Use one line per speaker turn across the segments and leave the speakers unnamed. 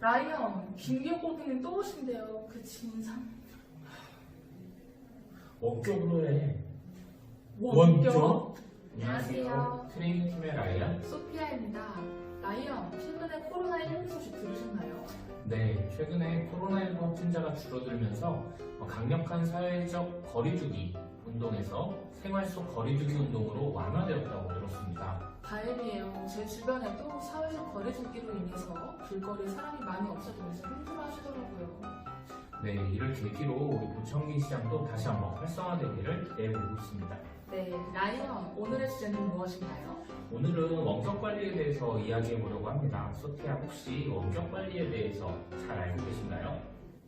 라이언, 김기혁 고객님 또 오신대요. 그 진상.
원격으로 해.
원격?
안녕하세요. 트레이닝 팀의 라이언.
소피아입니다. 라이언, 최근에 코로나19 소식 들으셨나요?
네, 최근에 코로나19 확진자가 줄어들면서 강력한 사회적 거리두기 운동에서 생활 속 거리두기 운동으로 완화되었다고 들었습니다.
다행이에요. 제 주변에도 사회적 거리두기로 인해서 길거리에 사람이 많이 없어지면서 힘들어 하시더라고요.
네, 이를 계기로 우리 보청기 시장도 다시 한번 활성화되기를 기대해보고 있습니다.
네, 라이언, 오늘의 주제는 무엇인가요?
오늘은 원격 관리에 대해서 이야기해 보려고 합니다. 소피아, 혹시 원격 관리에 대해서 잘 알고 계신가요?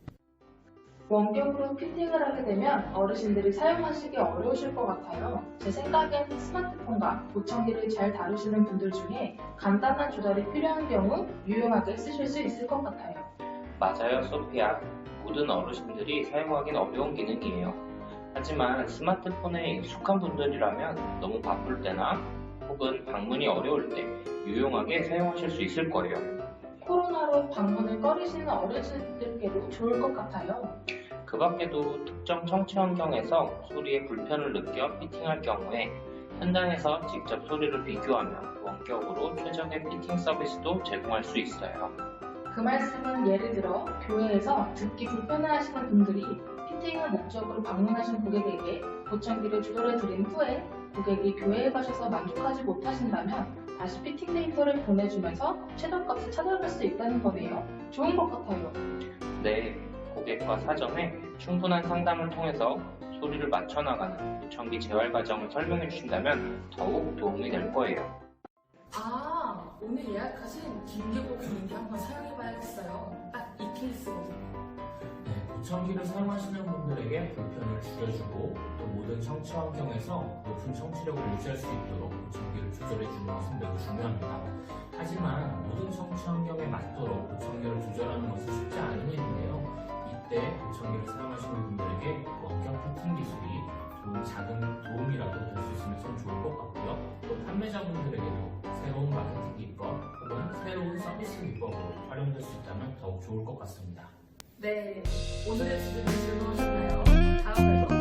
원격으로 피팅을 하게 되면 어르신들이 사용하시기 어려우실 것 같아요. 제 생각엔 스마트폰과 보청기를 잘 다루시는 분들 중에 간단한 조달이 필요한 경우 유용하게 쓰실 수 있을 것 같아요.
맞아요, 소피아. 모든 어르신들이 사용하기는 어려운 기능이에요. 하지만 스마트폰에 익숙한 분들이라면 너무 바쁠 때나 혹은 방문이 어려울 때 유용하게 사용하실 수 있을 거예요.
코로나로 방문을 꺼리시는 어르신들께도 좋을 것 같아요.
그 밖에도 특정 청취 환경에서 소리에 불편을 느껴 피팅할 경우에 현장에서 직접 소리를 비교하며 원격으로 최적의 피팅 서비스도 제공할 수 있어요.
그 말씀은 예를 들어 교회에서 듣기 불편해하시는 분들이 피팅을 목적으로 방문하신 고객에게 보청기를 조절해 드린 후에 고객이 교회에 가셔서 만족하지 못하신다면 다시 피팅 데이터를 보내주면서 최저값을 찾아갈 수 있다는 거네요. 좋은 것 같아요.
네, 고객과 사전에 충분한 상담을 통해서 소리를 맞춰나가는 보청기 재활 과정을 설명해 주신다면 더욱 도움이 될 거예요.
아, 오늘 예약하신 김기혁 고객님이 한번 사용해봐야겠어요. 딱 이 케이스거든요.
네, 보청기를 사용하시는 분들에게 불편을 줄여주고 또 모든 청취 환경에서 높은 청취력을 유지할 수 있도록 보청기를 조절해주는 것은 매우 중요합니다. 하지만 모든 청취 환경에 맞도록 보청기를 조절하는 것은 쉽지 않은 일인데요. 이때 보청기를 사용하시는 분들에게 원격 피팅 기술이 작은 도움이라도 될 수 있으면 참 좋을 것 같고요. 또 판매자분들에게도 새로운 마케팅 기법 혹은 새로운 서비스 기법으로 활용될 수 있다면 더욱 좋을 것 같습니다.
네, 오늘의 주제는 즐거우셨나요? 다음에도